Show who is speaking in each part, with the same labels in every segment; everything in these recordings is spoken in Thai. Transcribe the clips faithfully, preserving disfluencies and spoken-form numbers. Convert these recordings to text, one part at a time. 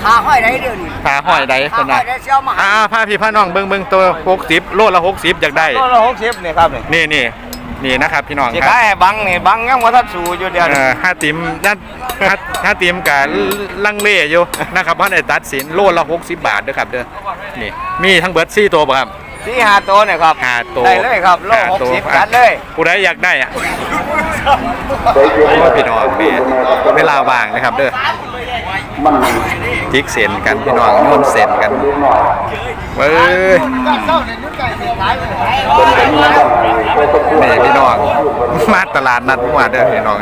Speaker 1: ขาห้อยได้เดียวนี่
Speaker 2: ขาห้อยได้คนน่ะอ่าผ้าพี่ผ้าน้องเบิ่งเบิ่งตัวหกสิบโลละหกสิบอยากได้
Speaker 3: โลละหกสิบนี่ครับ
Speaker 2: นี่นี่นี่นะครับพี่น้องครับ
Speaker 3: สิขายให้บังนี่บังยังว่าทัดสูอยู่เดียว
Speaker 2: เออห้าติมนั่นห้าติมกับลังเลอยู่นะครับเพราะในตัดสินโลละหกสิบบาทเด้อครับเด้อนี่มีทั้งเบิร์ดซี่ตัวป่ะครับ
Speaker 3: สี่ห้าตัวเนี่ยครับ
Speaker 2: ห้าตัว
Speaker 3: ได้เลยครับโลหกสิบจัดเลย
Speaker 2: ผู้ใดอยากได้อ่ะพี่น้องมีเวลาว่างนะครับเด้อจิกเส้นกันพี่น้องโยนเส้นกันเว้ยนี่พี่น้องมาตลาดนัดเมื่อวานเด้อพี่น้อง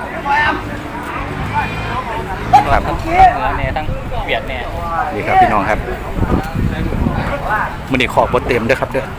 Speaker 2: นะครับ
Speaker 4: เนี่ยทั้งเบียดเนี่ย
Speaker 2: นี่ครับพี่น้องครับมันนี่ขอบเต็มเด้อครับเด้อ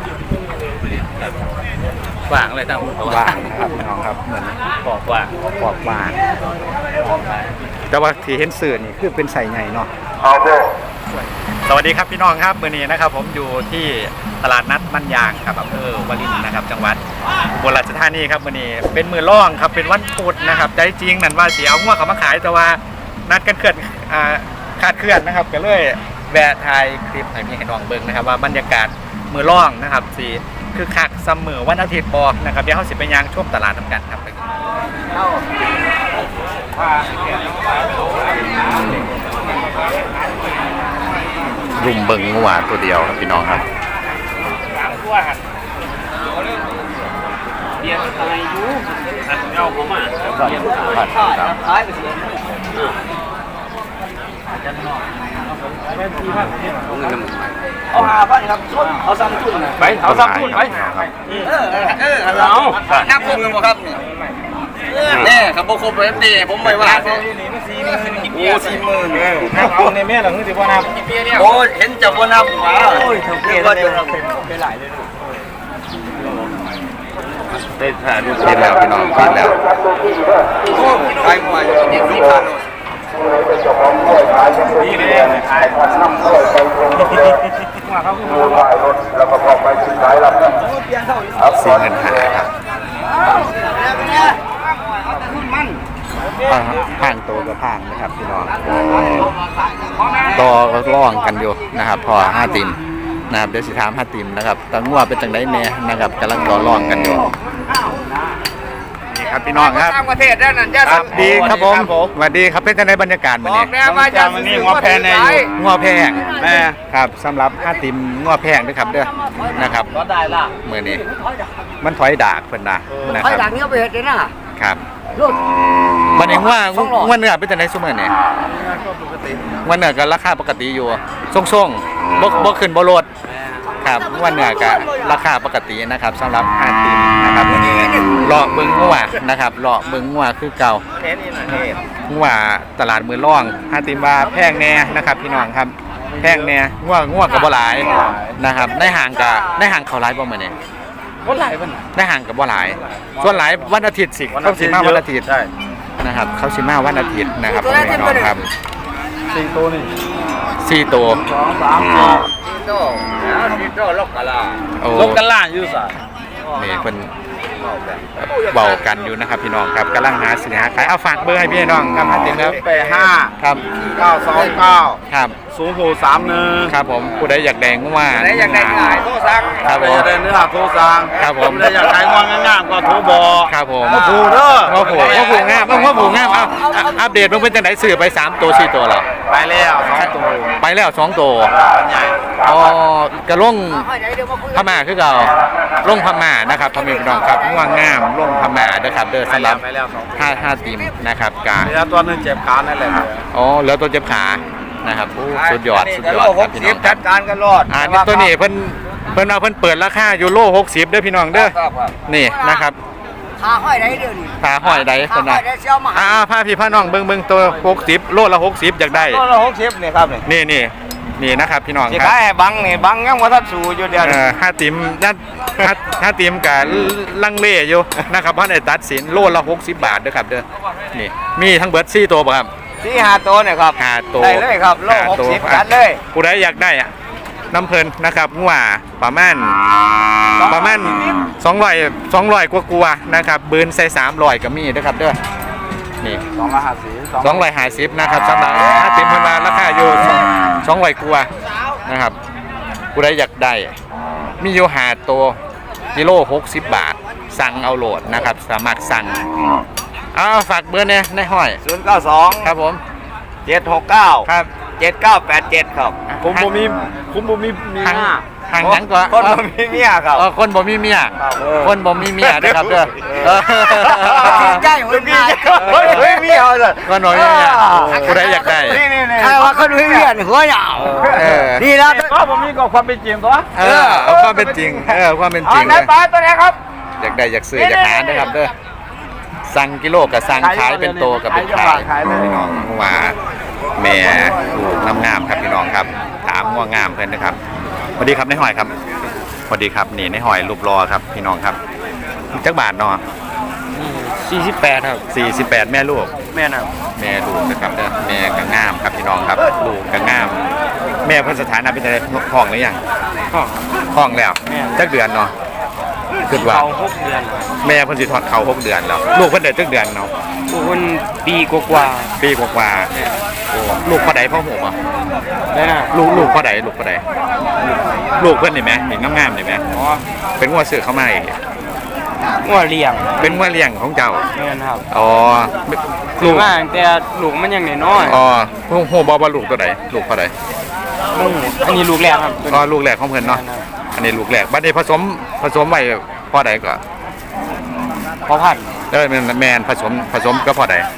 Speaker 4: ว่างเลยทั้ง
Speaker 2: ว่างนะครับพี่น้องครับเหมือน
Speaker 4: ขอบว่าง
Speaker 2: ขอบว่างแต่ว่าที่เห็นสื่อนี่คือเป็นใส่ใหญ่เนาะสวัสดีครับพี่น้องครับมื้อนี้นะครับผมอยู่ที่ตลาดนัดมันยางครับอำเภอวารินนะครับจังหวัดอุบลราชธานีครับมื้อนี้เป็นมือล่องครับเป็นวันพุธนะครับใจจริงนั่นว่าสิเอางัวเขามาขายแต่ว่านัดกันเคลื่อนอ่าคาดเคลื่อนนะครับก็เลยแวะถ่ายคลิปให้พี่ให้น้องเบิ่งนะครับว่าบรรยากาศมือล่องนะครับสิคือคักเสมอวันอาทิตย์บอกนะครับเดี๋ยวเขาสิไปยางช่วงตลาดทำกันครับรุมเบิ่งงัวตัวเดียวครับพี่น้องครับ
Speaker 4: เบียดอะไรอยู่เอาเขามาเบียดขายไปเสียเอาหาพันครับชุดเอาซ้ำชุดไปเอาซ้ำชุดไปเออเออเอานับครบกันบ่ครับนี่ครับบ่ครบเลยตีผมไม่ว่าโอ้สี่หมื่น
Speaker 3: เอาในแม่หลังนี่สิบ่นับ
Speaker 4: โอ้เห็นจะบ่นับว้าโอ้ยเท่า
Speaker 3: ว่า
Speaker 4: เจะ
Speaker 3: ไปหลายเลย
Speaker 2: เป็นแล้วพี่น้องเป็นแล้ว
Speaker 4: ไปหมดนี่คือผ่าน
Speaker 3: นี่เลยขายน้ำด้วยไปว่าเขาคือขายรถแล้วก็พอไปซื้อขายรับครับ
Speaker 2: สี่เงินหาครับผ่านตัวกับผ่านนะครับพี่น้องต่อร่องกันอยู่นะครับพอห้าติมนะครับเดี๋ยวสิถามห้าติมนะครับตั้งว่าเป็นจังไดแน่นะครับกำลังต่อร่องกันอยู่ครับพี่น้องครับ
Speaker 3: ต่างประเทศด้านนั้นจะ
Speaker 2: ครับดีครับผมสวัสดีครับเป็นในบรรยากาศวันนี้
Speaker 3: มาจากวันนี้งัวแพงใน
Speaker 2: งัวแพงแม่ครับสำหรับห้าติมงัวแพงด้วยครับเด้อนะครับ
Speaker 4: ก็ได้ละ
Speaker 2: เมื่อนี้มันถอยดากเพิ่นนะนะ
Speaker 1: ถอย
Speaker 2: ค
Speaker 1: ดา
Speaker 2: รั
Speaker 1: กเนี้ยไปเห็ดเลยนะครับ
Speaker 2: มันเองว่าว่าเนื้อเป็นจังได๋ซุมื้อนี้ว่าเนื้อก็ราคาปกติอยู่ส่งๆบ่บ่ขึ้นบ่ลดครับว่าเนื้อก็ราคาปกตินะครับสำหรับห้าติมนะครับวันนี้เลาะเบิ่งงัวนะครับเลาะเบิ่งงัวคือเก่างัวตลาดมือร่องห้าติมว่าแพงแน่นะครับพี่น้องครับแพงแน่งัวงัวก็บ่หลายนะครับในห้างก็ในห้างเขาหลายบ่มื้อนี้
Speaker 3: บ่หลายวัน
Speaker 2: ในห้างก็บ่หลายส่วนหลายวันอาทิตย์สิเขาสิมาวันอาทิตย์นะครับเขาสิมาวันอาทิตย์นะครับพี่น้องครับ
Speaker 3: สี่ตัวนี่
Speaker 2: สี่ตัว
Speaker 3: สองสามสี่ตัวแล้วสี่ตัวลกกะลาลกกะลาอยู่ซะ
Speaker 2: นี่เพิ่นเบากันอยู่นะครับพี่น้องครับกำลังหาสินค้าขายเอาฝากเบอร์ให้พี่น้องครับห้าติมครับ
Speaker 3: แปดห้า
Speaker 2: ครับ
Speaker 3: เก้าสองเก้า
Speaker 2: ครับ
Speaker 3: ศูนย์หกสามหนึ่ง
Speaker 2: ครับผมผู้ใดอยากแดงก็ว่า
Speaker 3: ผู้ใดอยากได้หลายโทรสั่ง
Speaker 2: ครับผม
Speaker 3: อยากได้เนื้อโทรสั่ง
Speaker 2: ครับผม
Speaker 3: ผู้ใดอยากขายงวงงามก็โทรบอก
Speaker 2: ครับผม
Speaker 3: มาผูเด้อ
Speaker 2: มาผูมาผูงามมาผูงามเอาอัปเดตมันเป็นจังได๋ซื้อไปสามตัวสี่ตัวแล้ว
Speaker 3: ไปแล้วสองตัว
Speaker 2: ไปแล้วสองตัว
Speaker 3: ใหญ่
Speaker 2: อ๋อกระลงพม่าคือเก่าลงพม่านะครับพ่อแม่พี่น้องครับง่วงงามลงพม่าเด้อครับเด้อสำหรับห้าห้าทีมนะครับกา
Speaker 3: เหลือตัวนึงเจ็บขานั่นแหละ
Speaker 2: อ๋อเหลือตัวเจ็บขานะครับสุดยอดสุดยอดครับพี่น้อง
Speaker 3: จัดการกันรอด
Speaker 2: อ่านี่ตัวนี้เพิ่นเพิ่นเอาเพิ่นเปิดราคาอยู่โลหกสิบเด้อพี่น้องเด้อนี่นะครับ
Speaker 1: ขาห้อยได้เดียวนี่
Speaker 2: ขาห้อยได้เพิ่นน่ะอ่าผ้าพี่ผ้าน้องเบิ่งเบิ่งตัวหกสิบโลละหกสิบอยากได้
Speaker 3: โลละหกสิบนี่ครับ
Speaker 2: นี่นี่นี่นะครับพี่น้อง
Speaker 3: ครับขายบังนี่บังยังว่าทัดสูอยู่เดียว
Speaker 2: เออห้าติมนั่นห้าติมกับลังเลอยู่นะครับเพราะในตัดสินโลละหกสิบบาทเด้อครับเด้อนี่มีทั้งเบิร์ดซี่ตัวป่ะครับ
Speaker 3: ซี่ห้าตัวเนี่ยครับ
Speaker 2: ห้าตัว
Speaker 3: ได้เลยครับโลหกสิบจัดเลย
Speaker 2: ผู้ใดอยากได้อะน้ำเพลินนะครับงัวประมาณประมาณสองร้อยสองร้อยกว่าๆนะครับเบิร์นใส่สามร้อยก็มีนะครับเด้อนี่
Speaker 3: สองร้อยห้าสิบ
Speaker 2: สองร้อยห้าสิบนะครับสำหรับห้าติมเพิ่นว่าราคาอยู่สองร้อยกว่านะครับผู้ใดอยากได้มีอยู่หาตัวกิโลหกสิบบาทสั่งเอาโหลดนะครับสามารถสั่งเอาฝากเบอร์เนี่ยในห้อย
Speaker 4: ศูนย์เก้าสอง
Speaker 2: ครับผม
Speaker 4: เจ็ดหกเก้า
Speaker 2: ครับ
Speaker 4: เจ็ดเก้าแปดเจ็ดครับ
Speaker 2: ผมบ่มี
Speaker 4: ผมบ่มีมี
Speaker 2: ทางทางหยังก็
Speaker 4: คนบ่มีเมียครับ
Speaker 2: เออคนบ่มีเมียคนบ่มีเมียนะครับเด้อเออ
Speaker 1: ใกล้หัวใจ
Speaker 4: เฮ้ยเฮ้ยเมียเลย
Speaker 2: คนบ่มีเมียผู้ใดอยากได้
Speaker 4: นี่นี่นี่
Speaker 1: ใครว่าคนไม่เรียนหัวยาว
Speaker 2: เออ
Speaker 1: ดีแล้ว
Speaker 4: ก็ผมมีก็ความเป็นจริงตัว
Speaker 2: เออเอาความเป็นจริงเออความเป็นจริง
Speaker 4: ไหน
Speaker 2: เลย
Speaker 4: ปลาตัวไหนครับ
Speaker 2: อยากได้อยากซื้ออยากหานะครับเด้อสั่งกิโลกับสั่งขายเป็นโตกับเป็นขายพี่น้องว่าแม่ลูกงามๆครับพี่น้องครับถามว่างามเพื่อนนะครับสวัสดีครับในหอยครับสวัสดีครับนี่ในหอยรูปรอครับพี่น้องครับจักบาทเนาะ
Speaker 4: สี่สิบแปดครับ
Speaker 2: สี่สิบแปดแม่ลูก
Speaker 4: แม่น่ะ
Speaker 2: แม่ลูกนะครับเด้อแม่ก็งามครับพี่น้องครับลูกก็งาม แม่เพิ่นสถานะเป็นอะไรท้องหรือยัง
Speaker 4: ห้อง
Speaker 2: ท้องแล้ว
Speaker 4: แม่
Speaker 2: จักเดือนเนาะคิดว่า
Speaker 4: เขาหกเดือน
Speaker 2: แม่เพิ่นสิทอดเขาหกเดือนแล้วลูกเพิ่นได้จักเดือนเนาะ
Speaker 4: คุณปีกว่า
Speaker 2: ปีกว่าๆโอ้ลูกพ่อใดพ่อหูบ่
Speaker 4: ๆแม่น่ะ
Speaker 2: ลูกลูกพ่อใดลูกพ่อใดลูกเพิ่นนี่แหมเห็นงามๆนี่แหม
Speaker 4: อ๋อ
Speaker 2: เป็นงัวซื้อเข้ามาอีก
Speaker 4: งัวเลี้ยง
Speaker 2: เป็นงัวเลี้ยงของเจ้า
Speaker 4: แม่นครับ
Speaker 2: อ๋อ
Speaker 4: ลู
Speaker 2: ลู
Speaker 4: ก
Speaker 2: ก
Speaker 4: มาตั้งแต่ลูกมันยังน้อย
Speaker 2: อ๋อฮู้ฮู้บ่ว่าลูกตัวใดลูกพ่อใด
Speaker 4: ๆมึงอันนี้ลูกแรกครับ
Speaker 2: อ๋อลูกแรกของเพิ่นเนาะอันนี้ลูกแรกบัดนี้ผสมผสมไว้พ่อใดก็
Speaker 4: พอพัน
Speaker 2: เออแม่นแม่นผสมผสมกับพ่อใด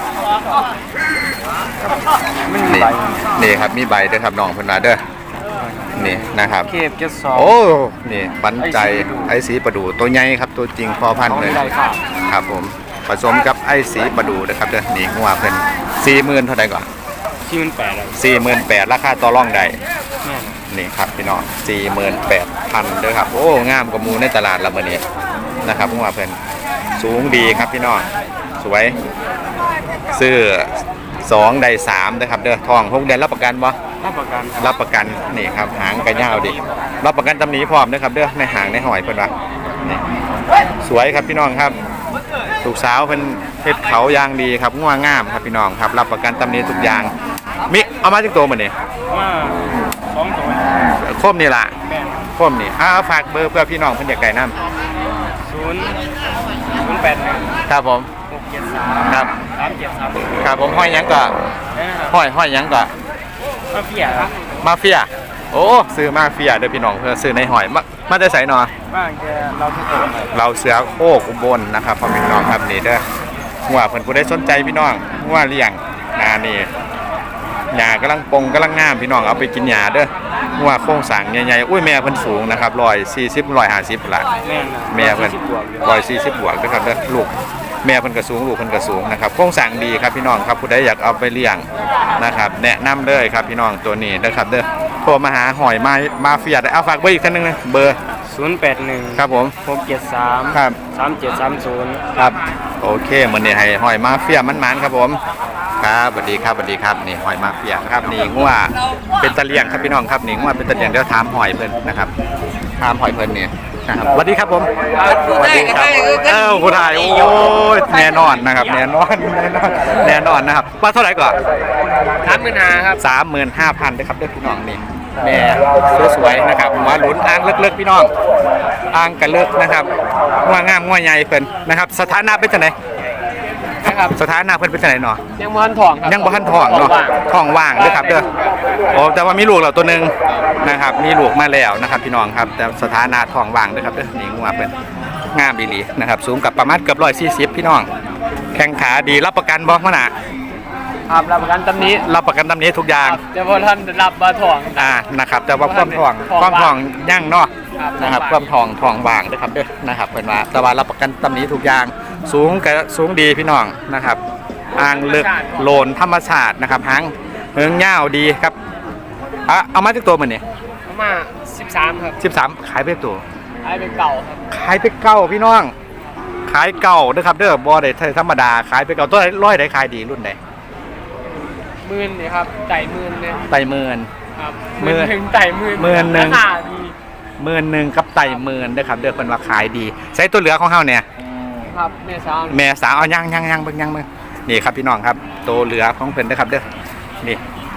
Speaker 4: มันมี
Speaker 2: นี่
Speaker 4: ใบ
Speaker 2: นี่ครับมีใบเด้อครับน้องเพิ่นว่าเด้อนี่นะครับ
Speaker 4: เคฟเจ็ดสอง
Speaker 2: โอ้ นี่บันใจไอ้สีประดูตัวใหญ่ครับตัวจริงพอพันธุ์เลย
Speaker 4: ของวิไลค่ะ
Speaker 2: ครับผมผสมกับไอ้สีประดูนะครับเด้อนี่งัวเพิ่นสี่หมื่นเท่าไหร่ก่อน
Speaker 4: ที่มันแปดเลย
Speaker 2: สี่หมื่นแปดราคาต่อรองได้
Speaker 4: แม่น
Speaker 2: นี่ครับพี่น้องสี่หมื่นแปดพันเด้อครับโอ้งามกว่าหมูในตลาดละมื้อนี้นะครับงัวเพิ่นสูงดีครับพี่น้องสวยซื้อสองได้สามนะครับเด้อทองหกเดือนรับประกันบ่
Speaker 4: รับประกัน
Speaker 2: รับประกันนี่ครับหางกระยาวดิรับประกันตำหนิพร้อมนะครับเด้อในหางในหอยเพิ่นว่านี่สวยครับพี่น้องครับลูกสาวเพิ่นเฮ็ดเขายางดีครับงัวงามครับพี่น้องครับรับประกันตำหนิทุกอย่างมิเอามาจักตัวมื้อนี้
Speaker 4: ว่าสองตัว
Speaker 2: คมนี่ล่ะ
Speaker 4: แม่น
Speaker 2: คมนี่อ้าฝากเบอร์เพื่อพี่น้องเพิ่นอยากได้นํ
Speaker 4: ศูนย์ศูนย์แปดหนึ่ง
Speaker 2: ครับผม
Speaker 4: หกเจ็ดสาม
Speaker 2: ครับ
Speaker 4: สามเจ็ดสาม
Speaker 2: ครับผมห้อยหยังก็
Speaker 4: นะครับ
Speaker 2: ห้อยห้อยหยังก็
Speaker 4: มาเพียครับ
Speaker 2: มาเฟียโอ้ซื้อมาเฟียเด้อพี่น้องเพื่อซื้อในหอยมามาได้ไสหนอ
Speaker 4: บ้างแกเราทุกคนครับ
Speaker 2: เราเสือโคกอุบลนะครับพ่อพี่น้องครับนี่เด้อหัวเพิ่นผู้ใดสนใจพี่น้องหัวเลี้ยงนานี่หญ้ากำลังปงกำลังงามพี่น้องเอาไปกินหญ้าเด้อหัวโครงสร้างใหญ่ๆอุ้ยแม่เพิ่นสูงนะครับหนึ่งร้อยสี่สิบ หนึ่งร้อยห้าสิบล่ะ
Speaker 4: แม่นนะ
Speaker 2: แม่เพิ่น
Speaker 4: สิบบวกอยู่
Speaker 2: หนึ่งร้อยสี่สิบบวกนะครับเด้อลูกแม่เพิ่นก็สูงลูกเพิ่นก็สูงนะครับโครงสร้างดีครับพี่น้องครับผู้ใดอยากเอาไปเลี้ยงนะครับแนะนำเลยครับพี่น้องตัวนี้นะครับเด้อโทรมาหาหอยมามาเฟียได้เอาฝากเบอร์อีกท่านนึงนะเบอร์
Speaker 4: ศูนย์แปดหนึ่ง
Speaker 2: ครับผม
Speaker 4: หกเจ็ดสาม
Speaker 2: ครับ
Speaker 4: สามเจ็ดสามศูนย์
Speaker 2: ครับโอเคมันนี่ให้หอยมาเฟียมันมันๆครับผมครับสวัสดีครับสวัสดีครับนี่หอยมาเฟียครับนี่งัวเป็นตะเลียงครับพี่น้องครับนี่งัวเป็นตะเลียงเดี๋ยวถามหอยเพิ่นนะครับถามหอยเพิ่นนี่นะครับสวัสดีครับผมสวัสดีครับเอ้าผู้ถ่ายโอ้ยแน่นอนนะครับแน่นอนแน่นอนแน่นอนนะครับว่าเท่าไหร่ก่อน
Speaker 4: สามหมื่นห้าครับ
Speaker 2: สามหมื่นห้าพันนะครับเด้อพี่น้องนี่แม่สวยๆนะครับหัวหลุนอ่างเลิกๆพี่น้องอ่างกันเลิกนะครับงัวงามงัวใหญ่เพิ่นนะครับสถานะเป็นจังได
Speaker 4: นะครับ
Speaker 2: สถานะเพิ่นเป็นจังไดเนาะ
Speaker 4: ยังมันทองครับ
Speaker 2: ยังบ่ทันท้องเนาะท้องว่างเด้อครับเด้อโอ้แต่ว่ามีลูกแล้วตัวหนึงนะครับ มีลูกมาแล้วนะครับ พี่น้องครับ แต่สถานะท้องว่างเด้อครับเด้อนี่งัวเพิ่นงามอีหลีนะครับ สูงกับประมาณเกือบหนึ่งร้อยสี่สิบพี่น้อง แข้งขาดีรับประกันบ่พ่อน่ะ
Speaker 4: ครับรับประกันตำนี้
Speaker 2: รับประกันตำนี้ทุกอย่าง
Speaker 4: เจ้าพ่อท่านรับมาทอง
Speaker 2: อ่านะครับ แต่ว่าความท้อง
Speaker 4: ท้อง
Speaker 2: ความท้องยั่งเนาะ
Speaker 4: ครับ
Speaker 2: นะครับความท้องท้องว่างเด้อครับเด้อนะครับเพิ่นว่าแต่ว่ารับประกันตำนี้ทุกอย่าง สูงก็สูงดีพี่น้องนะครับ อ่างลึกโลนธรรมชาตินะครับหางเหิงยาวดีครับอ่ะเอามาจากตัวมันนี่
Speaker 4: ประมาณสิบสามครับ
Speaker 2: สิบสามขายไปตัว
Speaker 4: ไอ้เป็นเก่าครับ
Speaker 2: ขายไปเก้าพี่น้อง ขายเก่าเด้อครับเด้อบอได้ธรรมดาขายไปเก่าตัวร้อยได้ขายดีรุ่นไหน
Speaker 4: หมื่นนี่ครับไต่หมื่นเนี่ย
Speaker 2: ไต่หมื่น
Speaker 4: ครับ
Speaker 2: หมื่น
Speaker 4: ถึงไต่หมื่น
Speaker 2: หมื่นหนึ่ง
Speaker 4: ราคาดี
Speaker 2: หมื่นหนึ่งกับไต่หมื่นเด้อครับเด้อเพิ่นว่าขายดีใช้ตัวเหลือของเฮาเนี่ย
Speaker 4: ครับแม่สาว
Speaker 2: แม่สาวเอายังยังยังเบิ่งยังเบิ่งนี่ครับพี่น้องครับตัวเหลือของเพิ่นเด้อครับเด้อนี่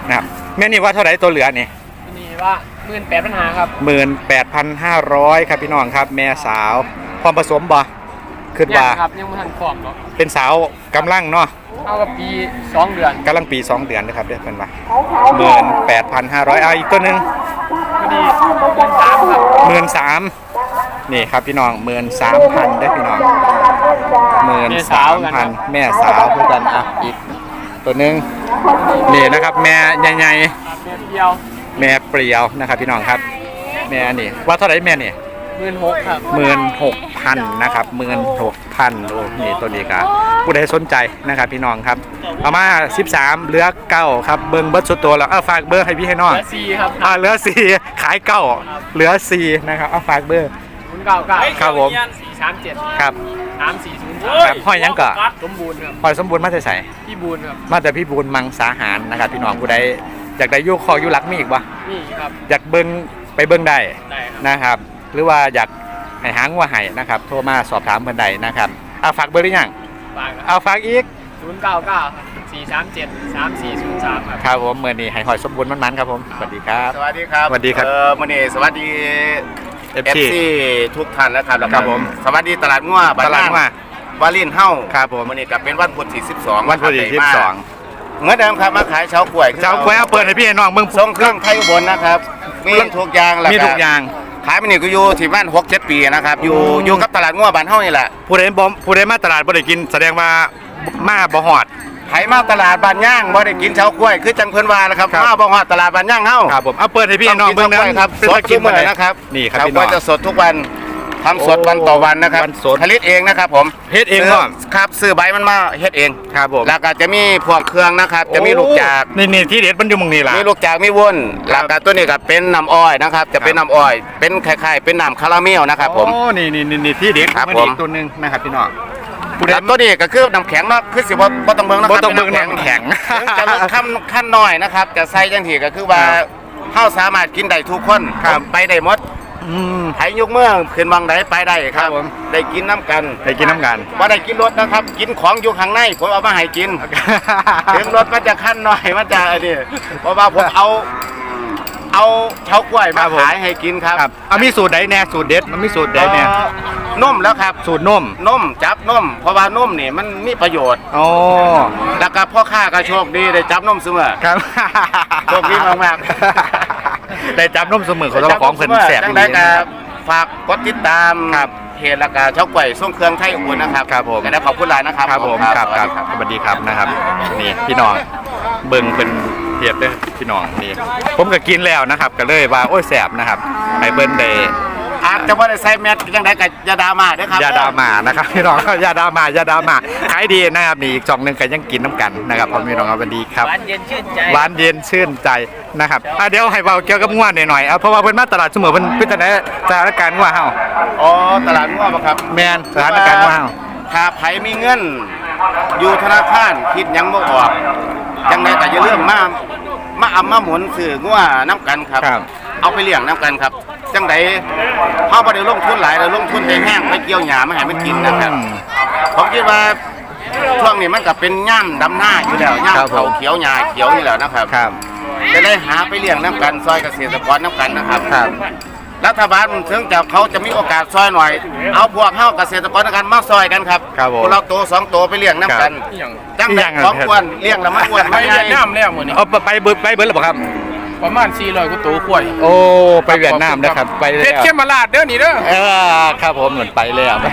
Speaker 2: นะครับแม่นี่ว่าเท่าไหร่ตัวเหลือนี่
Speaker 5: นี่ว่าหมื่นแปดปัญหาครับ
Speaker 2: หมื่นแปดพันห้าร้อยครับพี่น้องครับแม่สาวพร้อมผสมบ่ขึ้น
Speaker 5: ยั
Speaker 2: ว่า
Speaker 5: ครับยังไม่ทันฟอร์มเนาะ
Speaker 2: เป็นสาวกำลังเนาะ
Speaker 5: เท่ากับปีสองเดือน
Speaker 2: กำลังปีสองเดือนนะครับเด้อเพิ่นว่าหมื่นแปดพันห้าร้อยเอาอีกตัวหนึง
Speaker 5: พอดีหมื่นสามครับ
Speaker 2: หมื่นสามนี่ครับพี่น้องหมื่นสามพันได้อพี่น้องหมื่นสามพันแม่สาวเพื่อกันอ่ะอีกตัวหนึงนี่นะครับแม่ใหญ่
Speaker 5: ครับเดือนเดียว
Speaker 2: ๆแม่เปรียวนะครับพี่น้องครับแม่นี่ว่าเท่าไหร่แม่นี่
Speaker 5: หมื่นหกครับ
Speaker 2: หมื่นหกพันนะครับหมื่นหกพันโอ้นี่ตัวนี้ครับผู้ใดสนใจนะครับพี่น้องครับเอามาสิบสามเหลือเก้าครับเบิ้งเบิร์ดสุดตัวแล้วเอาฝากเบอร์ให้พี่ให้น้อง
Speaker 5: เหลือสี่ครับ
Speaker 2: อ่าเหลือสี่ขายเก้าเหลือสี่นะครับเอาฝากเบอร์
Speaker 5: ศูนย์เก้าเก้า
Speaker 2: ครับผม
Speaker 5: สี่สามเจ็ด
Speaker 2: ครับ
Speaker 5: สามสี่ศูนย์
Speaker 2: ครับห้อยหยังก่อ
Speaker 5: สมบูรณ์ครับ
Speaker 2: หอยสมบูรณ์มาแต่ใส่
Speaker 5: พี่บูรณ์ครับ
Speaker 2: มาแต่พี่บูลมังสาหารนะครับพี่น้องผู้ใดอยากได้ยุคคอยุคลักมีอีกวะ
Speaker 5: นี่ครับ
Speaker 2: อยากเบิ้งไปเบิ้งได้
Speaker 5: ได้ครับ
Speaker 2: นะครับ หรือว่าอยากให้หางว่าให้นะครับโทรมาสอบถามเพิ่นใดนะครับเอาฝากเบอร์หรือยัง
Speaker 5: ฝากครับ
Speaker 2: เอาฝากอีก
Speaker 5: ศูนย์เก้าเก้าสี่สามเจ็ดสามสี่ศูนย์สามครับ
Speaker 2: ครับผมเมื่อนี้ให้หอยสมบูรณ์มันๆครับผมสวัสดีครับ
Speaker 4: สวัสดีครับ
Speaker 2: สวัสดีครับ
Speaker 4: เออมันนี่สวัสดี
Speaker 2: เอฟ
Speaker 4: เอฟ
Speaker 2: ซี
Speaker 4: ซีทุกท่านนะครับแล้วก็
Speaker 2: ครับผม
Speaker 4: สวัสดีตลาดงัวบ้น
Speaker 2: ตลาดงัว
Speaker 4: วาลินเฮ้า
Speaker 2: ครับผม
Speaker 4: มันนี่ก็เป็นวันพุธที่สิบสอง
Speaker 2: วันพุธที่สิบสอง
Speaker 4: เหมือนเดิมครับมาขายเช้ากล้วย
Speaker 2: เจ้าควยเอาเปิดให้พี่ให้น้องเบิ่ง
Speaker 4: ทรงเครื่องไทยอุบลนะครับมีทุกอย่างแล้ว
Speaker 2: มีทุกอย่าง
Speaker 4: ขายมันนี่ก็อยู่ที่บ้านหกเจ็ดปีนะครับอยู่อยู่กับตลาดงัวบ้านเฮ้านี่แหละ
Speaker 2: ผู้ใดบ่ผู้ใดมาตลาดบ่ได้กินแสดงว่ามาบ่ฮอด
Speaker 4: ไผมาตลาดบ้านย่างบ่ได้กินเช้ากล้วยคือจังเพิ่นว่านะครับ
Speaker 2: ครับ
Speaker 4: มาบ่ฮอดตลาดบ้านย่างเฮ้า
Speaker 2: ครับผมเอาเปิดให้พี่ให้น้องเบิ่ง
Speaker 4: ต้
Speaker 2: นะ
Speaker 4: กิช้ากล้วยครับ
Speaker 2: เป็น
Speaker 4: ส
Speaker 2: ตะ
Speaker 4: ด
Speaker 2: กิ
Speaker 4: ทุ
Speaker 2: น
Speaker 4: ก
Speaker 2: มื้
Speaker 4: มื้
Speaker 2: อ
Speaker 4: อ
Speaker 2: นะ
Speaker 4: นะ
Speaker 2: ค
Speaker 4: ค
Speaker 2: รั
Speaker 4: รั
Speaker 2: บบ นี่ครับพี่น้อง
Speaker 4: ก็จะสดทุกวันทำสด
Speaker 2: โอ้
Speaker 4: วันต่อวันนะครับ
Speaker 2: วันสด
Speaker 4: ผลิตเองนะครับผม
Speaker 2: เฮ็ดเอง
Speaker 4: ซื้
Speaker 2: เนาะ
Speaker 4: ครับซื้อใบมันมาเฮ็ดเอง
Speaker 2: ครับผม
Speaker 4: แล้วก็จะมีพวกเครื่องนะครับ จะมีลูกจาก
Speaker 2: โอ้นี่ๆที่เด็ดมันอยู่หมึงนี่ล่ะ
Speaker 4: มีลูกจากมีวุ้น
Speaker 2: ครั
Speaker 4: แล้
Speaker 2: บ
Speaker 4: วก็ตัวนี้ก็เป็นน้ำอ้อยนะครับ จะเป็นน้ำอ้อย เป็นคล้ายๆเป็นน้ำคาราเมลนะครับผม
Speaker 2: โอ้นี่นี่นี่นี่ที่เด็ด
Speaker 4: ครับ
Speaker 2: มัน
Speaker 4: ผม
Speaker 2: อีกตัวหนึงนะครับพี่น้องผู้ใด
Speaker 4: แล้วตัวนี้ก็คือน้ำแข็งเนาะคือสิบ่บ่ต้องเบิ่งนะค
Speaker 2: บ่
Speaker 4: รับ
Speaker 2: ต้องเบิ่ง
Speaker 4: ป็
Speaker 2: น้ำแข็ง
Speaker 4: ถึงจะลดขั้นขั้นน้อยนะครับ จะใส่จังทีก็คือว่า
Speaker 2: ครับ
Speaker 4: เฮาสามารถกินได้ทุกคน
Speaker 2: ครับ
Speaker 4: ไปได้หมด
Speaker 2: อืม
Speaker 4: ไผยกเมืองขึ้นบางใดไปได้ค
Speaker 2: ครั
Speaker 4: รั
Speaker 2: บบ ผม
Speaker 4: ได้กินน้ำกัน
Speaker 2: ได้กินน้ำกัน
Speaker 4: ว่าได้กินรถนะครับ กินของอยู่ข้างในผมเอามาให้กิน ถึงรถมันจะขั้นหน่อยมันจะอันนี้เพราะว่าผมเอา เอาเฉากล้วย
Speaker 2: ครั
Speaker 4: มา
Speaker 2: บผม
Speaker 4: ขายให้กินครับ
Speaker 2: ครับเอามีสูตรใดแน่สูตรเด็ดมันมีสูตรใดแน่
Speaker 4: เอ่อนุ่มแล้วครับ
Speaker 2: สูตรนม
Speaker 4: นุ่มจับนุ่มเพราะว่านุ่มนี่มันมีประโยชน์
Speaker 2: อ๋อ
Speaker 4: แล้วก็พ่อค้าก็โชคดีได้จับนุ่มเสมอ
Speaker 2: ครับ
Speaker 4: โชคดีมาก
Speaker 2: ได้จับนมเสมอของเจ้าของเพิ่นแสบ
Speaker 4: จัง
Speaker 2: ดี
Speaker 4: ได้ก็
Speaker 2: นะครับ
Speaker 4: ฝากกดติดตาม
Speaker 2: ครับ
Speaker 4: เพจแล้วก็เฉากล้วยส่งเครื่องไทยอุ่นนะครับ
Speaker 2: ครับผม
Speaker 4: ก็ได้ขอบคุณหลายนะครับ
Speaker 2: ครับผมครับครับสวัสดีครับนะครับนี่พี่น้องเบิ่งเป็นเทียบเด้อพี่น้องนี่ผมก็กินแล้วนะครับก็เลยว่าโอ้ยแสบนะครับไปเบิ่นได้
Speaker 4: อาจจะว่าได้ใส่แมสจังได้กับยาดามาเด้อครับ
Speaker 2: ยาดามานะครับพี่น้องยาดามา ยาดามาขายดีนะครับนี่อีกสองหนึงก็ยังกินน้ำกันนะครับพ่อพี่น้องครับสวัสดีครับ
Speaker 5: หวานเย็นชื่นใจ
Speaker 2: หวานเย็นชื่นใจนะครับอ่ะเดี๋ยวให้เบาเกี่ยวกับง่วนหน่อยๆเอาเพราะว่าเพิ่นมาตลาดเสมอเพิ่นเพิ่นจะได้สถานการณ์ง่วเฮา
Speaker 4: อ๋อตลาดงัวป่ะครับ
Speaker 2: แม่นสถานการณ์ง่วเฮา
Speaker 4: ถ้าไผมีเงิน อยู่ธนาคารคิดหยังบ่ออกจังไดก็อย่าลืมมามาอำมาหมุนซื้องัวน้ำกันครับ
Speaker 2: ครับ
Speaker 4: เอาไปเลี้ยงน้ำกันครับ จังไดเฮาบ่ได้ลงทุนหลายเราลงทุนไปแห้งไปเกี่ยวหญ้ามาให้มันกินนะครับ ผมคิดว่าช่วงนี้มันก็เป็นย่ำดำหน้าอยู่แล้วย่ำเขาเขียวหญ้าเขียวอยู่แล้วนะครับ
Speaker 2: ครับ
Speaker 4: จะได้หาไปเลี้ยงน้ำกันซอยเกษตรกรน้ำกันนะครับ
Speaker 2: ครับ
Speaker 4: รัฐบาลถึงจะเขาจะมีโอกาสซอยหน่อย เอาพวกเฮาเกษตรกรน้ำกันมาซอยกันครับ
Speaker 2: ครับผม
Speaker 4: พวกเราโตสองโตไปเลี้ยงน้ำกันจัง
Speaker 2: อีห
Speaker 4: แบ
Speaker 2: ยั
Speaker 4: บ
Speaker 2: งอะ
Speaker 4: ของอ้วนเลี้ยงแล้วมันอ้วน
Speaker 5: ไป
Speaker 4: ไม่ให
Speaker 5: เวี
Speaker 4: ญ่
Speaker 5: ยดนามแล้วมื้อนี้
Speaker 2: เอาไปเบิดไปเบิดหรือเปล่าครับ
Speaker 5: ประมาณสี่ร้อยกว่าตัวกล้วย
Speaker 2: โอ้ไปเวียดนามนะครับไป
Speaker 5: เพ
Speaker 2: แล้
Speaker 5: ชร
Speaker 2: ว
Speaker 5: เข้มมาลาดเด้อนี่เด้อ
Speaker 2: เออครับผมเหมือนไปเลยอ่ะ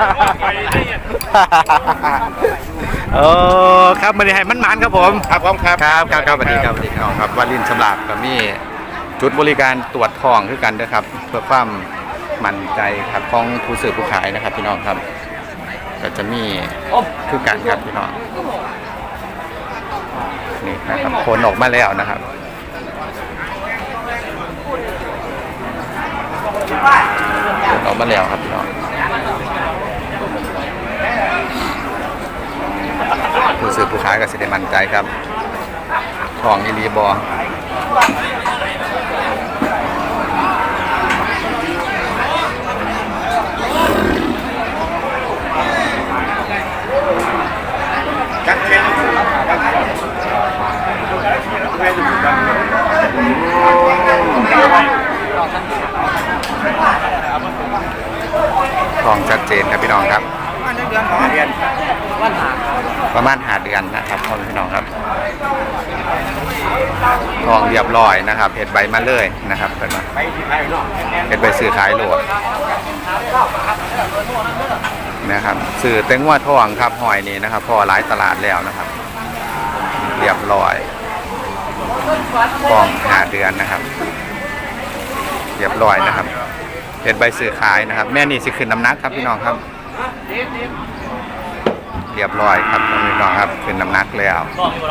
Speaker 2: โอ้ครับมาดีให้มันหมานครับผม
Speaker 4: ครับผมครับ
Speaker 2: ครับครับครับสวัสดีครับสวัสดีครับครับวาลินสำหรับกับมีจุดบริการตรวจทองคือกันนะครับ เพื่อความมั่นใจครับของผู้ซื้อผู้ขายนะครับพี่น้องครับก็จะมีคือกันครับพี่น้องนี่นะครับผลออกมาแล้วนะครับผลออกมาแล้วครับพี่น้องผู้ซื้อผู้ขายก็สิได้มั่นใจครับทองอีรีบอทองชัดเจนครับพี่น้องครับประมาณหาเดือนนะครับพ่อพี่น้องครับทองเรียบร้อยนะครับเห็ดใบมาเลยนะครับเป็นมาเห็ดใบสื่อขายโหลดนะครับสื่อเต็งว่าทองครับหอยนี้นะครับพอหลายตลาดแล้วนะครับเรียบร้อยทองหาเดือนนะครับเรียบร้อยนะครับเห็ดใบสื่อขายนะครับแม่นี่สิขึ้นน้ำหนักครับพี่น้องครับเรียบร้อยครับพี่น้องครับขึ้นน้ำหนักแล้ว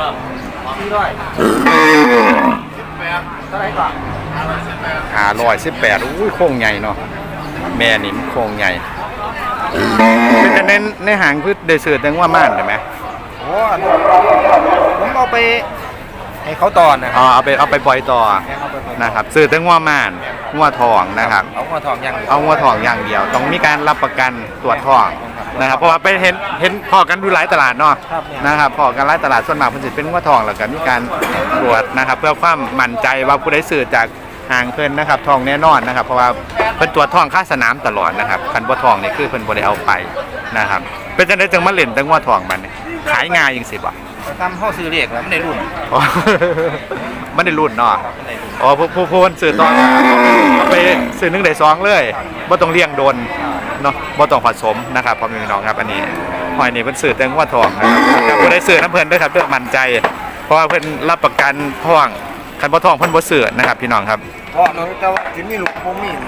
Speaker 2: หาร้อยสิบแปดอุ้ยโค้งใหญ่เนาะแม่นี่โค้งใหญ่เป็นจะเน้นในหางพืชได้สื่อถึงว่าม่านใช่ไหม
Speaker 4: โอ้ผมเอาไปให้เขาตอนนะครั
Speaker 2: อ๋อเอาไปเอาไปปล่อยต่อนะครับสื่อถึงว่าม่านงัวทองนะครับ
Speaker 4: เอางัวทองอย่าง
Speaker 2: เอางัวทองอย่างเดียวต้องมีการรับประกันตรวจทองนะครับเพราะว่าไปเห็นเห็นพอกันดูหลายตลาดเนาะนะครับพอกันหลายตลาดส่วนมากมันจะเป็นงัวทองแล้วก็มีการตรวจนะครับเพื่อความมั่นใจว่าผู้ใดสื่อจากห่างเพิ่นนะครับทองแน่นอนนะครับเพราะว่าเพิ่นตรวจทองค่าสนามตลอดนะครับคันบ่ทองนี่คือเพิ่นบ่ได้เอาไปนะครับเป็นจังได๋จังมาเล่นแต่งัวทองมันขายง่ายจังซี่บ่
Speaker 4: ทำเฮาซื้อเลขแล้วมันได้รุ่น
Speaker 2: อ๋อมันได้รุ่นเนาะอ๋อผู้ผู้ผู้ซื้อต่อเอาไปซื้อหนึ่งได้สองเลยบ่ต้องเลี้ยงโดนเนาะบ่ต้องผสมนะครับพ่อแม่พี่น้องครับอันนี้หอยนี่เพิ่นซื้อแต่งัวทองนะครับบ่ได้ซื้อน้ำเพิ่นเด้อครับเด้อมั่นใจเพราะว่าเพิ่นรับประกันทองคันบ่ทองเพิ่นบ่ซื้อนะครับพี่น้องครับ
Speaker 4: เพราะน้องแต่ว่าสิมีลูกบ่มี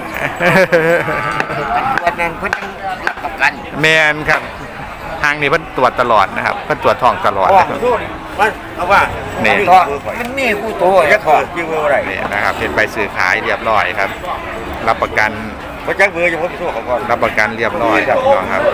Speaker 4: วันนั้นเพิ่นรับประกัน
Speaker 2: แม่นครับทางนี้เพิ่นตรวจตลอดนะครับเพิ่นตรวจทองตลอด
Speaker 4: นะครับมันเอาว่านี่มันมีคู่โตจะถอดยิงบ่ได้
Speaker 2: นี่นะครับเป็นใบซื้อขายเรียบร้อยครับรับประกัน
Speaker 4: บ่จักเบอร์อยู่ผมโทรเขาก่อน
Speaker 2: รับประกันเรียบร้อยครับพี่น้องครับ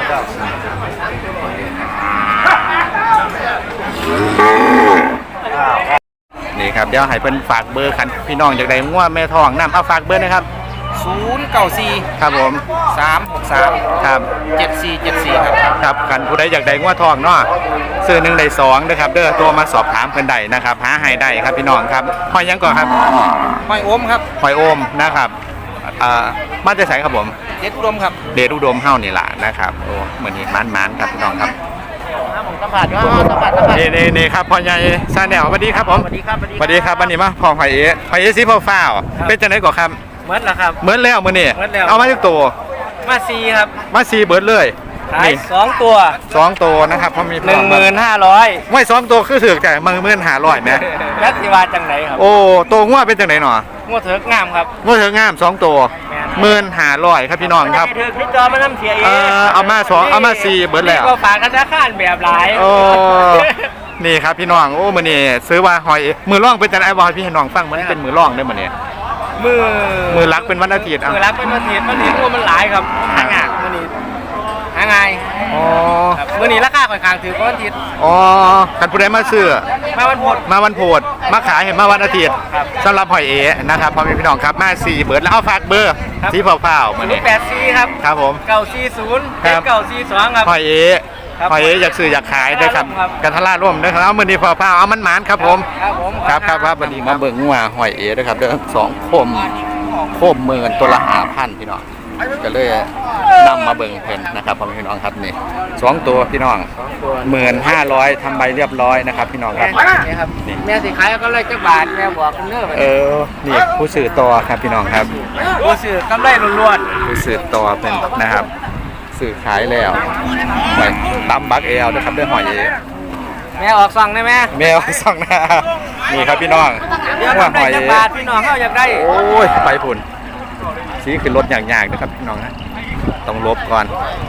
Speaker 2: นี่ครับเดี๋ยวให้เพิ่นฝากเบอร์คันพี่น้องอยากได้งัวแม่ทองนำเอาฝากเบอร์นะครับ
Speaker 4: ศูนย์ เก้า สี่
Speaker 2: ครับผม
Speaker 4: สาม หก สาม
Speaker 2: ครับ
Speaker 4: เจ็ด สี่ เจ็ด สี่ครับ
Speaker 2: ครับคันผู้ใดอยากได้งัวทองเนาะซื้อหนึ่งได้สองนะครับเด้อตัวมาสอบถามเพิ่นได้นะครับหาให้ได้ครับพี่น้องครับหอยยังก่อนครับ
Speaker 4: หอยโอมครับ
Speaker 2: หอยโอมนะครับอ่ามาจะใส่ครับผม
Speaker 4: เดชอุดมครับ
Speaker 2: เดชอุดมเฮานี่ล่ะนะครับโอ้เหมือนนี้มันๆครับพี่น้องครับ
Speaker 4: สัมผัสว่าสัมผัสสัมผัส
Speaker 2: นี่นี่นี่ครับพ่อใหญ่ซาแนลสวัสดีครับผม
Speaker 4: สวัสดีครับ
Speaker 2: สวัสดีครับวันนี้มาพ่อหอยเอ๋หอยเอ๋สีฟ้าวเป็นจังได๋ก่อนครับ
Speaker 4: เหมือนแล้วครับ
Speaker 2: เหมือนแล้วมื้อนี้เอามาทุกตัว
Speaker 4: มาสี่ครับ
Speaker 2: มาสี่เบิดเลย
Speaker 4: นี่สองตัว
Speaker 2: สองตัวนะครับพอมี
Speaker 4: หนึ่งหมื่นห้าร้อย
Speaker 2: ไม่สองตัวคือถือแต่หนึ่งหมื่นห้าร้อยแม่
Speaker 4: ยักษ์สิวาจังไหนครับ
Speaker 2: โอ้ตัวงัวเป็นจังไหนหนอ
Speaker 4: งัวเถิกงามครับ
Speaker 2: งัวเถิกงามสองตัวหมื่นห้าร้อยครับพี่น้องครับ
Speaker 4: เถิกพี่จอมาน้ำเสียเอง
Speaker 2: เอามาสองเอามาสี่เบิดแล้ว
Speaker 4: ก็ฝากกันธนาคารแบบหลาย
Speaker 2: โอ้นี่ครับพี่น้องโอ้มื้อนี้ซื้อว่าหอยมือร่องเป็นจังได๋บ่ให้พี่น้องฟังมันเป็นมือร่องได้มื้อนี้
Speaker 4: มือ
Speaker 2: มือรักเป็นวันอาทิตย์
Speaker 4: มือรักเป็นวันอาทิตย์วันนี้มันหลายครับหางานมื้อนี้หาไง
Speaker 2: อ๋อ
Speaker 4: มื้อนี้ราคาค่อนข้างถือวันอาทิตย์
Speaker 2: อ๋อคันผู้ใดมาซื้อ
Speaker 4: มาวันพุธ
Speaker 2: มาวันพุธมาขายเห็นมาวันอาทิตย์สำหรับหอยเอ๋นะครับพ่อแม่พี่น้องครับมาสี่เบิร์ดแล้วเอาฝากเบอร์สีเผาๆมื้อนี้
Speaker 4: แปดสี่ครับ
Speaker 2: ครับผม
Speaker 4: เก้าสี่ศูนย์เจ็ดเก้าสี่สองครับ
Speaker 2: หอยเอ๋หอยเอ๋อยากซื้ออยากขายด้วยครับกันทลาร่วมด้วยครับเอามื้อนี้เผาๆเอามันหมานครับผม
Speaker 4: ครับผม
Speaker 2: ครับครับครับวันนี้มาเบิ่งงัวหอยเอ๋ด้วยครับเด้อสองโคมโคมหมื่นตัวละห้าพันพี่น้องก็เลยนำมาเบิ่งเพิ่นนะครับพ่อพี่น้องครับนี่สองตัวพี่น้องหมื่นห้าร้อยทำใบเรียบร้อยนะครับพี่น้องครับ
Speaker 4: นี่ครับแม่สิขายก็เลยจักบาทแม่บอกเนื้อ
Speaker 2: เออนี่ผู้สื่อต่อครับพี่น้องครับ
Speaker 4: ผู้สื่อกำไรล้วน
Speaker 2: ๆผู้สื่อต่อเป็นนะครับสื่อขายแล้วไปตำบักเอลนะครับด้วยหอยเอ๋
Speaker 4: แม่ออกสั่งได้ไหม
Speaker 2: แม่ออกสั่งนะนี่ครับพี่น้อง
Speaker 4: ว่าหอยเอ๋พี่น้องเขาอยากได้
Speaker 2: โอ้ยไปพุ่นสีขึ้นรถอย่างๆนะครับพี่น้องนะต้องลบก่อน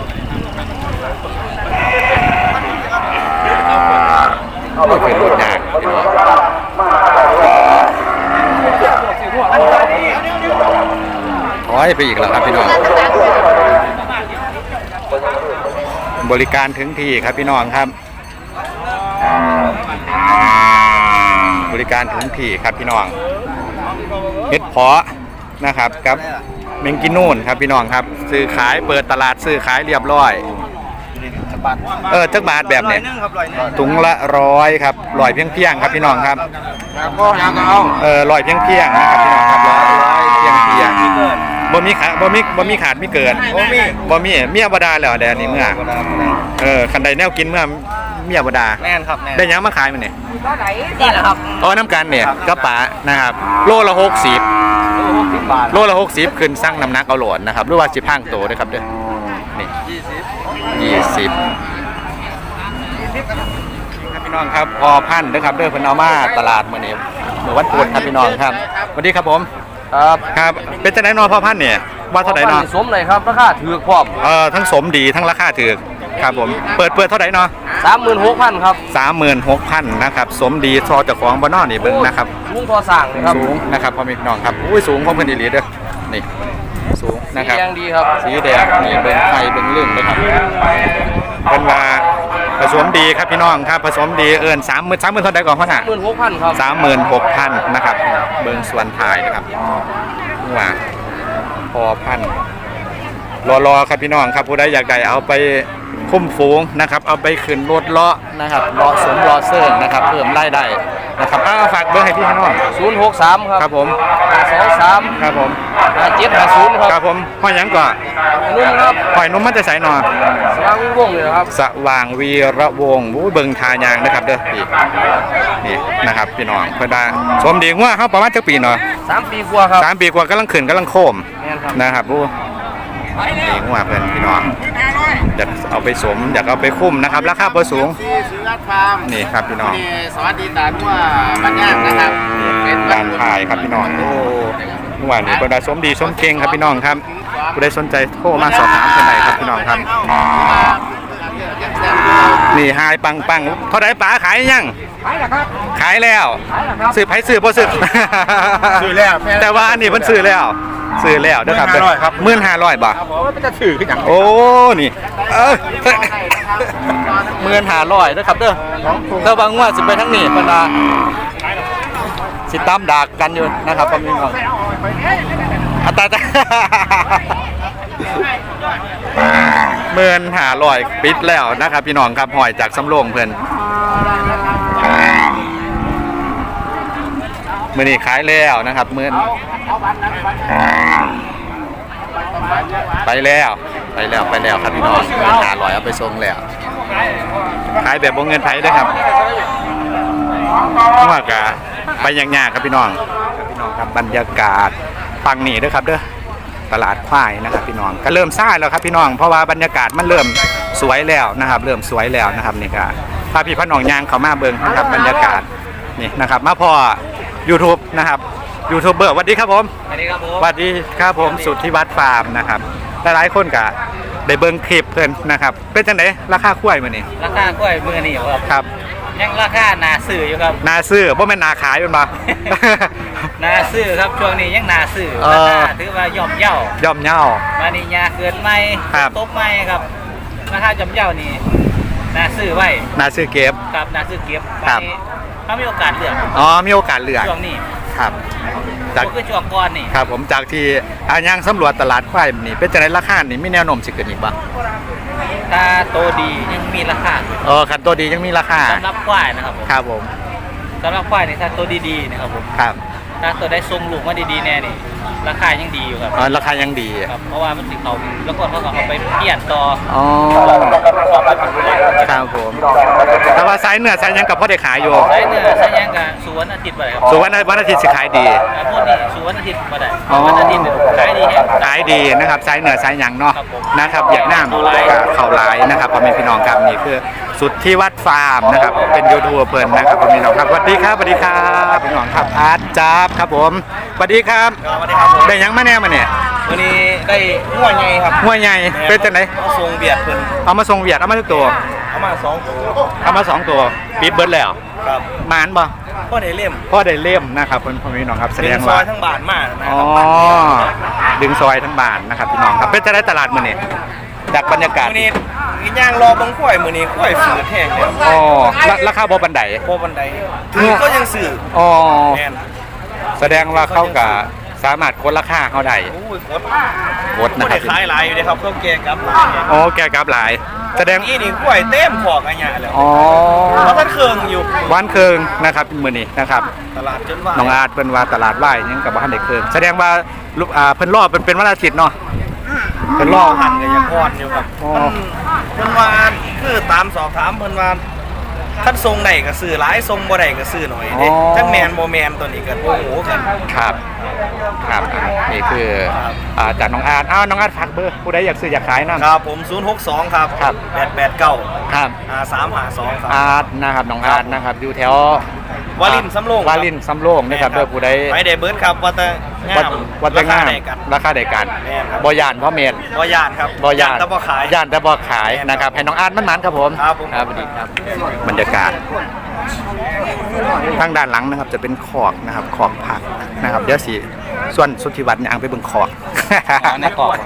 Speaker 2: ต้องขึ้นรถอย่างถอยไปอีกแล้วครับพี่น้องบริการถึงที่ครับพี่น้องครับบริการถึงที่ครับพี่น้องเฮ็ดเพาะนะครับครับเมงกินนูนครับพี่น้องครับซื้อขายเปิดตลาดซื้อขายเรียบร้อย
Speaker 4: บาท
Speaker 2: เออจักบาทแบบไหน
Speaker 4: ร้อยหนึงครับร้อยหนึง
Speaker 2: ถุงละร้อยครับร้อยเพียงเพียงๆครับพี่น้องครับ
Speaker 4: ครับก็ยังเอา
Speaker 2: เออร้อยเพียงเพียงๆนะครับพี่น้องครับร้อยร้อยเพียงเพียงๆบ่มีขาบ่มีบ่มีขาดมีเกิน
Speaker 4: บ่มี
Speaker 2: บ่มีเมียบ่ดาแล้วแดนนี่เมื่อเออคันใดแนวกินเมื่อเมียบ่ดา
Speaker 4: แม่นครับแม่น
Speaker 2: ได้หยังมาขายมันนี่
Speaker 4: นี่แหละครับ
Speaker 2: อ๋อน้ำกันเนี่ยกระป๋านะครับโลละหกสิบ
Speaker 4: หกสิบบาท
Speaker 2: โลละหกสิบขึ้นสั่งน้ำหนักเอาโหลดนะครับหรือว่าสิพังโตด้วยครับเด้อนี่
Speaker 4: ยี่สิบ
Speaker 2: ยี่สิบครับพี่น้องครับพอพันธุ์นะครับเด้อเพิ่นเอามาตลาดมื้อนี้มื้อวันพุธครับพี่น้องครับสวัสดีครับผม
Speaker 4: ครับ
Speaker 2: ครับเป็นจังได๋เนาะพ่อพันธุ์เนี่ยว่าเท่าไหร่เนาะ
Speaker 4: สมเลยครับราคาถือพร้อม
Speaker 2: เอ่อทั้งสมดีทั้งราคาถูกครับผมเปิดเปิดเท่าไหร่เนาะ
Speaker 4: สามหมื่นหกพันครับ
Speaker 2: สามหมื่นหกพันนะครับสมดีซอเจ้าของบ่เนาะนี่เบิ่งนะครับ
Speaker 4: ลุงพอสั่งเลยครับ
Speaker 2: สูงนะครับพ่อแม่พี่น้องครับอุ้ยสูงพร้อมกันอีหลีเด้อนี่สูงนะครับ
Speaker 4: สีแดงดีครับ
Speaker 2: สีแดงนี่เบิ่งไข่เบิ่งเรื่องนะครับเป็นว่าผสมดีครับพี่น้องครับผสมดีเอิ้นสามหมื่นสามหมื่นเท่าใดก่อนพ่อน่ะ
Speaker 4: หมื่นหกพันครับ
Speaker 2: สามหมื่นหกพันนะครับเบิ่งส่วนถ่ายนะครับว่าพอพันรอๆครับพี่น้องครับผู้ใดอยากได้เอาไปคุ้มฝูงนะครับเอาไปขึ้นรถเลาะนะครับเลาะสมเลาะเซิร์นะครับเพิ่มรายได้นะครับอ้าวฝากเบอร์ให้พี่น้อง
Speaker 4: ศูนย์หกสามครับ
Speaker 2: ครับผม
Speaker 4: สองสาม
Speaker 2: ครับผม
Speaker 4: ห้าเจ็ดห้าศูนย์ครับ
Speaker 2: ครับผมห้อยหยังก่อน
Speaker 4: นุ่มครับ
Speaker 2: ห้อยนุ่มมันจะใส่หนอ
Speaker 4: สว่างวิวงศ์เลยครับ
Speaker 2: สว่างวีระวงศ์อู้เบิ่งทายางนะครับเด้อพี่นี่นะครับพี่น้องเพิ่นว่าสมดีงัวเฮาประมาณจักปีเนาะ
Speaker 4: สามปีกว่าครับ
Speaker 2: สามปีกว่ากำลังขึ้นกำลังโคม
Speaker 4: แม่นครับ
Speaker 2: นะครับอู้ดีงัวเพิ่นพี่น้องอยากเอาไปสมอยากเอาไปคุ้มนะครับราคาบ่สูง
Speaker 4: ที่สุรัตน์ฟาร์ม
Speaker 2: นี่ครับพี่น้อง
Speaker 4: นี่สวัสดีตาทั่วบ้านย่างนะครับ
Speaker 2: นี่การถ่ายครับพี่น้องโอ้เมื่อวานนี้เพิ่นว่าสมดีสมเก่งครับพี่น้องครับผู้ใดสนใจโทรมาสอบถามเพิ่นได้ครับพี่น้องครับนี่หายปังปังเท่าไหร่ป๋าขายยัง
Speaker 4: ขายแล้วครับ
Speaker 2: ขายแล้ว
Speaker 4: ขายแล้วครับ
Speaker 2: ซื้อไผซื้อบ่ซื้อ
Speaker 4: ซื้อแล้ว
Speaker 2: แต่ว่าอันนี้เพิ่นซื้อแล้วซื้อแล้วเด้อครับหนึ่งพันห้าร้อยครับหนึ่งพันห้าร้อยบาท
Speaker 4: ผมว่ามันจะถือขึ้นอย่าง
Speaker 2: โอ้นี่เออหนึ่งพันห้าร้อยเด้อครับเด้อถ้าบางว่าสิไปทางนี้เพิ่นว่าสิตามดากกันอยู่นะครับพี่น้องอัตราจ้ะหมื่นห้าร้อยปิดแล้วนะครับพี่น้องครับหอยจากสำโรงเพิ่นมื้อนี้ขายแล้วนะครับมื้อไปแล้วไปแล้วไปแล้วครับพี่น้องหมื่นห้าร้อยเอาไปส่งแล้วขายแบบบ่เงินไผเด้อครับว่ากะไปอย่างยากครับพี่น้องพี่น้องครับบรรยากาศฟังนี่เด้อครับเด้อตลาดควายนะครับพี่น้องก็เริ่มซ่าแล้วครับพี่น้องเพราะว่าบรรยากาศมันเริ่มสวยแล้วนะครับเริ่มสวยแล้วนะครับนี่ก็พาพี่พ่อน้องยางเขามาเบิ่งนะครับบรรยากาศนี่นะครับมาพอ YouTube นะครับยูทูบเบอร์สวัสดีครับผม
Speaker 4: สวัสดีครับผม
Speaker 2: สวัสดีครับผมสุทธิวัฒน์ฟาร์มนะครับหลายๆคนก็ได้เบิ่งคลิปเพิ่นนะครับเป็นจังไดราคากล้วยมื้อนี้
Speaker 6: ราคากล้วยมือนี่ครับ
Speaker 2: ครับ
Speaker 6: ยังราคานาซื้ออยู่ครับ
Speaker 2: นาซื้อบ่แม่นนาขายเป็นบ่
Speaker 6: นาซื้อครับช่วงนี้ยังนาซื้อ
Speaker 2: เออ
Speaker 6: ราคาถือว่าย่อมเย่า
Speaker 2: ย่อมเยา
Speaker 6: มานี่ยาเกินไม่
Speaker 2: ครับ
Speaker 6: ตบไม่ครับราคาย่อมเย่านี่นาซื้อไว้
Speaker 2: นาซื้อเก็บ
Speaker 6: กับนาซื้อเก็บ
Speaker 2: ครับ
Speaker 6: ไปถ้ามีโอกาสเลือก
Speaker 2: อ๋อมีโอกาสเลือก
Speaker 6: ช่วงนี้
Speaker 2: ครับจาก
Speaker 6: ก็คือช่วงก่อนนี่
Speaker 2: ครับผมจากที่อายังสำรวจตลาดควายนี่เป็นจังไดราคานี่มีแนวโน้มสิขึ้นอีกบ่
Speaker 6: ถ้าโตดียังมีราคา
Speaker 2: เออคันตัวดียังมีราคา
Speaker 6: สำหรับควายนะครับผม
Speaker 2: ครับผม
Speaker 6: สำหรับควายนี่ถ้าโตดีๆนะครับผม
Speaker 2: ครับ
Speaker 6: ถ้าตัวได้ทรงลูกมาดีๆแน่นี่ราคายังดีอยู่ครับ
Speaker 2: อ๋อราคายังดี
Speaker 6: ครับเพราะว่ามันสิเขาแล้วก็เขาก็เอาไปเปลี่ยนต่อ
Speaker 2: อ๋อครับผมแต่ว่าไซส์เนื้อไซส์ยังกับพ่อได้ขายอยู่
Speaker 6: ใช้เนื้อใช้ยังกับสุวรรณอาทิตย์ไปครับ
Speaker 2: ส่วนวันวันอาทิตย์สิขายดี
Speaker 6: อ่าพวกนี้สุวรรณอาทิตย์มาได้
Speaker 2: อ๋อ
Speaker 6: วันอาทิตย์เนี่ยขายดีแฮะ
Speaker 2: ขายดีนะครับไซส์เหนือไซส์หยังเนาะ
Speaker 6: ครับผม
Speaker 2: นะครับอยากน้ำกับเข่าลายนะครับพ่อแม่พี่น้องครับนี่คือสุดที่วัดฟาร์มนะครับเป็นยูทูบเพิ่นนะครับพ่อแม่พี่น้องครับสวัสดีครับสวัสดีครับพี่น้องครับอาร์ตจับครับผมสวัสดีครับ
Speaker 4: สวัสดีครับผม
Speaker 2: ได้หยังมาแน่มาเนี่ย
Speaker 4: วันนี้ได้หัวใหญ่ครับ
Speaker 2: หัวใหญ่เป็นจังได
Speaker 4: เอาทรงเบียดเพิ่น
Speaker 2: เอามาส่งเวียดเอามาทุกตัว
Speaker 4: เอามาสองตัว
Speaker 2: เอามาสองตัวปิดเบิร์ดแล้ว
Speaker 4: ครับ
Speaker 2: หมานบ่
Speaker 4: ก็ได้เล่ม
Speaker 2: พ่อได้เล่มนะครับพ่อแม่พี่น้องครับแสดง
Speaker 4: ซอ
Speaker 2: ว่า
Speaker 4: ยทั้งบาทมากนะ
Speaker 2: อ๋อดึงซอยทั้งบานนะครับพี่น้องครับเป็นจะได้ตลาดมื้อนี้จากบรรยากาศ
Speaker 4: มื้อนี้อีกอย่างรอบังกล้วยมื้อนี้กล้วยฝืดแห้งแล้ว
Speaker 2: อ๋อราราคาบ่บันได
Speaker 4: โบบันไดถือก็ยังสื่อ
Speaker 2: อ๋อ
Speaker 4: แม่น
Speaker 2: แสดงว่าเขาก็สามารถกดราคาเขาได้
Speaker 4: โอ้ยโคตร
Speaker 2: กดนะ
Speaker 4: บ่
Speaker 2: ครั
Speaker 4: ได้
Speaker 2: บ
Speaker 4: ขายหลายอยู่เด้ครับเขาแกงกับหลายเนี่ย
Speaker 2: โอ้แกกราฟหลาย
Speaker 4: ผ
Speaker 2: แสดง
Speaker 4: นี่นี่กล้วยเต็มขอกอันเนี้ยแล้ว
Speaker 2: อ๋อ
Speaker 4: เพราะท่านเครื่องอยู่
Speaker 2: บ้านเคืองนะครับมื้อนี้นะครับ
Speaker 4: ตลาดจนว่า
Speaker 2: น้องอาร์ตเป็นว่าตลาดไหว้ยังกับบ้านเด็กเคืองแสดงว่าลูกอ่าเพิ่นรอบเป็นเป็นวันอาทิตย์เนาะเพิ่นร
Speaker 4: ล่
Speaker 2: อ
Speaker 4: อบ หันกับยังพอนอยู่ครับ
Speaker 2: อ๋อ
Speaker 4: เพิ่นว่าคือตามสอบถามเพิ่นว่าท่านทรงไหนก็ซื้อหลายทรงบ่ได้ก็ซื้อหน่อยเด้จังแมนบ่แมนตัวนี้ก็โอ้โหกัน
Speaker 2: ครับครับอ่ะนี่คืออ่าจากน้องอาร์ตอ้าวน้องอาร์ตฝากเบอร์ผู้ใดอยากซื้ออยากขายนั่น
Speaker 4: ครับผมศูนย์หกสองครับ
Speaker 2: ครับ
Speaker 4: แปดแปดเก้า
Speaker 2: ครับ
Speaker 4: อ่าสามห้าสองครับ
Speaker 2: อาร์ตนะครับน้องอาร์ตนะครับอยู่แถว
Speaker 4: วารินสำโรง
Speaker 2: วารินสำโรงนะครับเด้อผู้ใด
Speaker 4: ไปได้เบิร์ดครับวัดตะงา
Speaker 2: วัด
Speaker 4: ม
Speaker 2: วัดตะงาม
Speaker 4: รคได้กัน
Speaker 2: ราคาใดกัน
Speaker 4: แม่นครับ
Speaker 2: บ่ย่านเพราะเมตร
Speaker 4: บ่ยานครับ
Speaker 2: บ่ย่าน
Speaker 4: แต่บ่ขาย
Speaker 2: ย่านแต่บ่ขายนะครับให้น้องอาร์ตมันมันๆครับผม
Speaker 4: ครับผม
Speaker 2: ครับสวัสดีครับบรรยากาศทางด้านหลังนะครับจะเป็นขอกนะครับขอกผักนะครับเดี๋ยวสิส่วนสุทธิวัฒน์เนี่ยอังไปเบิ่งขอก
Speaker 6: ในกรอบ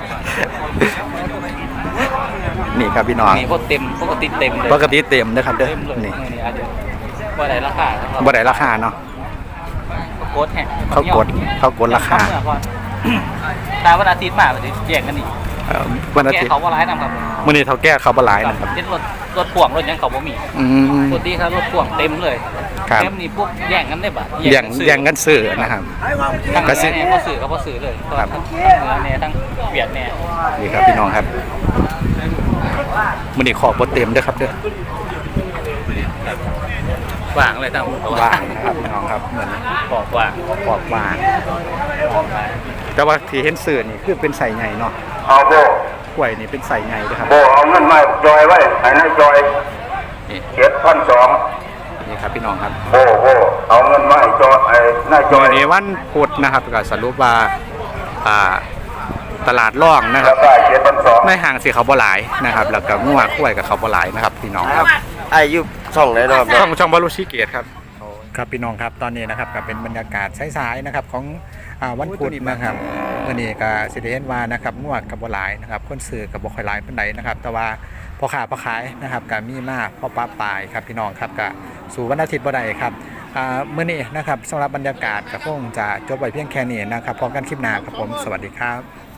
Speaker 2: นี่ครับพี่น้อง
Speaker 6: มีพวกเต็มปกติเต็มเลย
Speaker 2: ปกติเต็มนะครับเด้อ
Speaker 6: เต็มเลย
Speaker 2: นี่
Speaker 6: นี่อาจจะว่าได้ราคา
Speaker 2: บ่ได้ราคาเนาะ
Speaker 6: โคตรแห้ง
Speaker 2: เขากดเขากดราคา
Speaker 6: ตาวันอาทิตย์มาวันอาทิตย์แยกกันอีก
Speaker 2: เอ่อวันอา
Speaker 6: แก
Speaker 2: ทิตย์
Speaker 6: เขาว่าร้ายนำครับ
Speaker 2: มื้อนี้เท่าแก่เขาบ่หลายนะครับ
Speaker 6: เช่นรถรถพ่วงรถยังเขาบ่มี
Speaker 2: อืม
Speaker 6: ปกติถ้ารถพ่วงเต็มเลย
Speaker 2: ครับ
Speaker 6: เต็มนี่พวกแย่งกันได้บ่ะ
Speaker 2: แย่งแย่งกันซื้อนะครับ
Speaker 6: ทั้ง
Speaker 2: ก็
Speaker 6: เนื้
Speaker 2: สิ
Speaker 6: อเนี่ยก็สื่อก็พอสื่อเลย
Speaker 2: ครับ
Speaker 6: ทั้งเนื้อเนี่ยทั้งเวียดเนี่ย
Speaker 2: นี่ครับพี่น้องครับมื้อนี้ขอกบ่เต็มเด้อครับเด้อ
Speaker 6: ว่างเลยทั้ง
Speaker 2: ว่างนะครับพี่น้องครับเหมือน
Speaker 6: ขอบว่าง
Speaker 2: ขอบว่าง แต่ว่าที่เห็นสื่อนี่คือเป็นใส่ใหญ่เนาะ
Speaker 3: เอาโบ
Speaker 2: กล้วยนี่เป็นใส่ใหญ่ด้วยครับ
Speaker 3: โบเอาเงินมาจอยไว้ให้นายจอย
Speaker 2: นี่
Speaker 3: เจ็ดพันสอง
Speaker 2: นี่ครับพี่น้องครับ
Speaker 3: โบโบเอาเงินมาให้จอยไอ้นายจ
Speaker 2: จ
Speaker 3: อ
Speaker 2: อย ยในวันพุธนะครับก็สรุปว่าอ่าตลาดร่องนะค
Speaker 3: รา
Speaker 2: รับ
Speaker 3: คาเจ็ดพันสอง
Speaker 2: ในห้างสีเขาบ่หลายนะครับ แล้วก็งัวกล้วยกับเขาบ่หลายนะครับพี่น้องครับ
Speaker 4: อายุช่องไหนเนาะ
Speaker 2: ช่องช่องบารุชิเกตครับครับพี่น้องครับตอนนี้นะครับก็เป็นบรรยากาศสายๆนะครับของอ่าวันพุธนะครับวันนี้ก็สิได้เห็นว่านะครับงัวกับบ่หลายนะครับคนซื้อกับบ่ค่อยหลายปานใดนะครับ แต่ว่าพอค้าพอขายนะครับก็มีมากพอป้าปลายครับพี่น้องครับก็สู่วันอาทิตย์บ่ได้ครับอ่ามื้อนี้นะครับสำหรับบรรยากาศก็คงจะจบไว้เพียงแค่นี้นะครับพบกันคลิปหน้าครับผมสวัสดีครับ